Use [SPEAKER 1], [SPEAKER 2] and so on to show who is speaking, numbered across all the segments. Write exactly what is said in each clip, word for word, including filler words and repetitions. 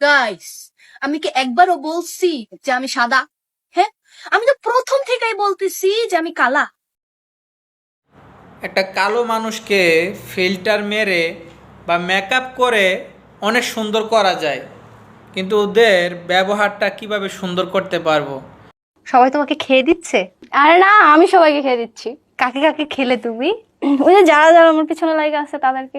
[SPEAKER 1] Guys, আমি কি একবারও বলছি যে আমি সাদা? হ্যাঁ, আমি তো প্রথম থেকেই বলতেছি যে আমি কালা।
[SPEAKER 2] একটা কালো মানুষকে ফিল্টার মেরে বা মেকআপ করে অনেক সুন্দর করা যায়, কিন্তু ওদের ব্যবহারটা কিভাবে সুন্দর করতে পারবো?
[SPEAKER 3] সবাই তোমাকে খেয়ে দিচ্ছে?
[SPEAKER 4] আরে না, আমি সবাইকে খেয়ে দিচ্ছি।
[SPEAKER 3] কাকে কাকে খেলে তুমি?
[SPEAKER 4] ওই যে যারা যারা আমার পিছনে লাগে আছে তাদেরকে।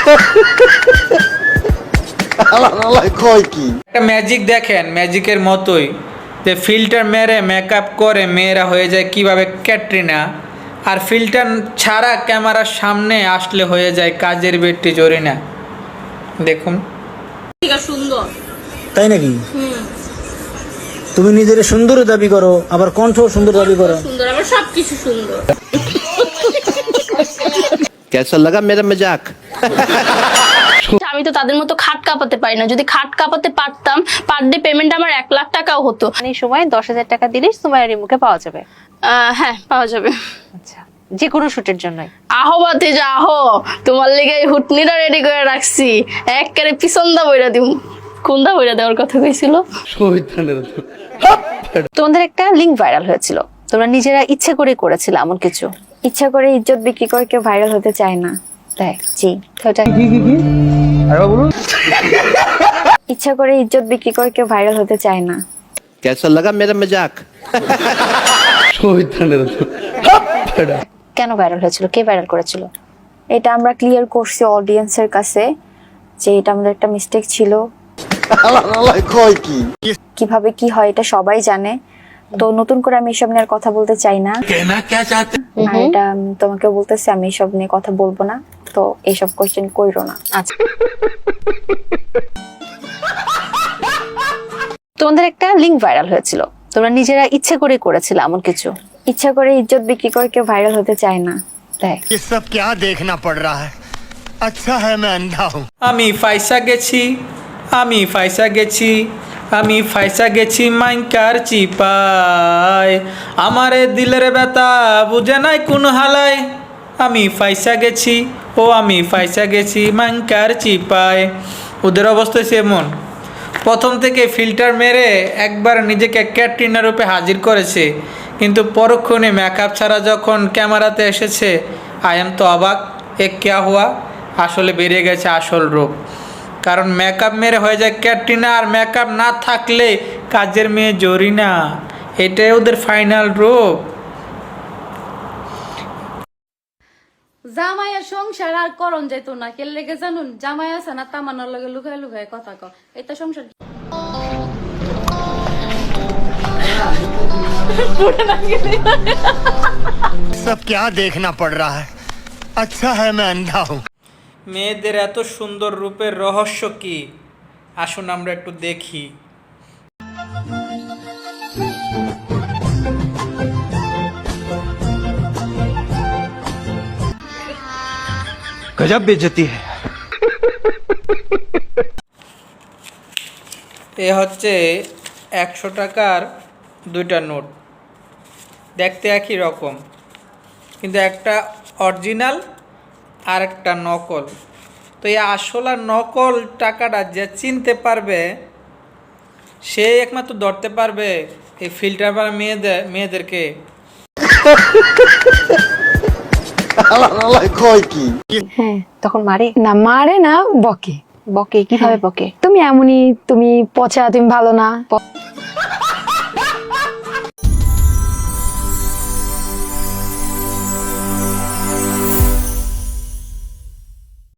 [SPEAKER 2] একটা ম্যাজিক দেখেন, ম্যাজিকের মতোই যে ফিল্টার মেরে মেকআপ করে মেয়েরা হয়ে যায় কিভাবে ক্যাটরিনা, আর ফিল্টার ছাড়া ক্যামেরার সামনে আসলে হয়ে যায় কাজের বেটি জরিনা। দেখুন,
[SPEAKER 1] সুন্দর
[SPEAKER 5] তাই নাকি? তুমি নিজের সুন্দর দাবি করো, আবার কণ্ঠ সুন্দর দাবি করো।
[SPEAKER 1] সুন্দর, আমার সবকিছু সুন্দর।
[SPEAKER 6] कैसा लगा मेरा मजाक?
[SPEAKER 4] আমি তো তাদের মতো খাট কাঁপাতে পারি না। যদি খাট কাঁপাতে পারতাম, পার ডে পেমেন্ট আমার এক লাখ টাকাও হতো।
[SPEAKER 3] মানে সময় দশ হাজার টাকা দিলে সুমাইয়ার মুখে পাওয়া যাবে।
[SPEAKER 4] আহ, হ্যাঁ, পাওয়া যাবে।
[SPEAKER 3] আচ্ছা, যে কোনো শুটের জন্যই।
[SPEAKER 4] আহো বাতে যা আহো, তোমার লেগে এই হুটনিটা রেডি করে রাখছি। একবারে পিছন দা বইরা দিম। কোন দা বইরা দেওয়ার কথা কইছিল?
[SPEAKER 3] তোমাদের একটা লিঙ্ক ভাইরাল হয়েছিল, তোমরা নিজেরা ইচ্ছে করে করেছিলে এমন কিছু?
[SPEAKER 7] ইচ্ছা করে ইজ্জত বিক্রি করে কেউ ভাইরাল হতে চায় না।
[SPEAKER 3] তাই?
[SPEAKER 7] জি।
[SPEAKER 3] তো এটা
[SPEAKER 7] ইচ্ছা করে ইজ্জত বিক্রি করে কেউ ভাইরাল হতে চায় না।
[SPEAKER 6] कैसा लगा मेरा मजाक?
[SPEAKER 3] কেন ভাইরাল হয়েছিল? কে ভাইরাল করেছিল?
[SPEAKER 7] এটা আমরা ক্লিয়ার করছি অডিয়েন্সের কাছে যে এটা আমাদের একটা মিস্টেক ছিল। কিভাবে কি হয় এটা সবাই জানে, তো নতুন করে আমি এসব নিয়ে আর কথা বলতে চাই না। আর এটা আমি তোমাকে বলতেছি, আমি এসব নিয়ে কথা বলবো না, তো এইসব কোয়েশ্চেন কইরো না।
[SPEAKER 3] আচ্ছা, তোমাদের একটা লিঙ্ক ভাইরাল হয়েছিল, তোমরা নিজেরা ইচ্ছে করে করেছিলে এমন কিছু?
[SPEAKER 7] ইচ্ছা করে ইজ্জত বিক্রি করে কেউ ভাইরাল হতে চায় না।
[SPEAKER 3] তাই?
[SPEAKER 8] ये सब क्या देखना पड़ रहा है? अच्छा है मैं अंधा हूँ।
[SPEAKER 2] আমি ফাইসা গেছি, আমি ফাইসা গেছি, আমি ফাইসা গেছি মাইকার চিপায়, আমারে দিলের ব্যথা বুঝে নাই কোন হালায়, আমি ফাইসা গেছি, ও আমি ফাইসা গেছি মাইকার চিপায়। ওদের অবস্থা এমন, প্রথম থেকে ফিল্টার মেরে একবার নিজেকে ক্যাটরিনা রূপে হাজির করেছে, কিন্তু পরক্ষণে মেকআপ ছাড়া যখন ক্যামেরাতে এসেছে, আই এম তো অবাক, এ ক্যা হুয়া, আসলে বেরিয়ে গেছে আসল রূপ। কারণ মেকআপ মেরে হয়ে যায় ক্যাটরিনা, আর মেকআপ না থাকলে কাজের মেয়ে জরিনা। এটাই ওদের ফাইনাল রূপ।
[SPEAKER 1] জামাইয়ের সংসার আর করণ যাইতো না, কে লেগে জানুন? জামাই আছে না, তামান্নার লগে লুকায় লুকায় কথা কয়, এটা সংসার।
[SPEAKER 8] सब क्या देखना पड़ रहा है? अच्छा है मैं अंधा हूँ।
[SPEAKER 2] মেয়েদের এত সুন্দর রূপের রহস্য কি? আসুন আমরা একটু দেখি।
[SPEAKER 6] गजब बेइज्जती है।
[SPEAKER 2] এ হচ্ছে একশো টাকার দুইটা নোট, দেখতে একই রকম, কিন্তু একটা অরিজিনাল আর একটা নকল। তো এই আসল আর নকল টাকাটা যে চিনতে পারবে, সে একমাত্র ধরতে পারবে এই ফিল্টার বা মেয়েদের মেয়েদেরকে।
[SPEAKER 3] হ্যাঁ, তখন মারে
[SPEAKER 4] না মারে না, বকে।
[SPEAKER 3] বকে? কিভাবে বকে?
[SPEAKER 4] তুমি এমনই, তুমি পচা, তুমি ভালো না।